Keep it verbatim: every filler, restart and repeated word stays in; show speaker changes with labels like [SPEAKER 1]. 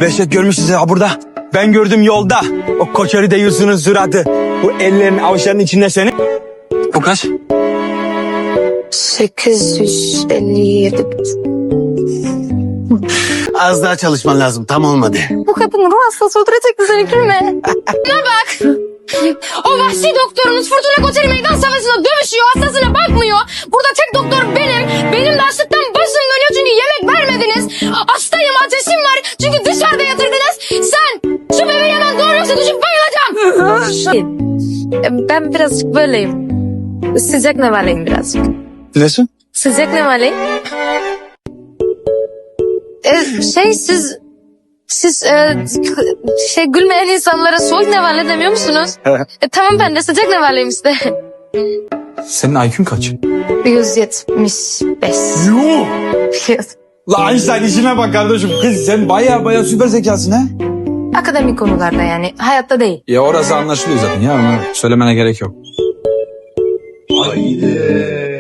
[SPEAKER 1] Behçet görmüşsünüz ya burada. Ben gördüm yolda. O koçeri deyiyorsunun suratı. Bu ellerin avuçlarının içinde senin. Bu kaç?
[SPEAKER 2] sekiz yüz elli yedi.
[SPEAKER 3] Az daha çalışman lazım. Tam olmadı.
[SPEAKER 2] Bu kadın ruh hastası öldürecekti seni gülme. Buna bak. O vahşi doktorumuz Fırtına Koteli meydan savaşında dövüşüyor. Hastasına bakmıyor. Burada tek doktor benim. Benim de açlıktan başım dönüyor çünkü yemek vermediniz. Hastayım, ateşim var çünkü dışarıda yatırdınız. Sen şu bebeği hemen doğru yoksa düşüp bayılacağım. Ben birazcık böyleyim. Sıcak nevaleyim birazcık.
[SPEAKER 1] Nesin?
[SPEAKER 2] Sıcak nevaleyim. Ee, şey siz... Siz e, şey gülmeyen insanlara soğuk nevale demiyor musunuz? e, tamam ben de sıcak nevaleyim işte.
[SPEAKER 1] Senin I Q'un kaç?
[SPEAKER 2] yüz yetmiş beş.
[SPEAKER 1] Yuh! La Einstein işine bak kardeşim. Kız sen baya baya süper zekasın ha.
[SPEAKER 2] Akademik konularda yani hayatta değil.
[SPEAKER 1] Ya orası anlaşılıyor zaten ya. Onu söylemene gerek yok.
[SPEAKER 3] Haydi.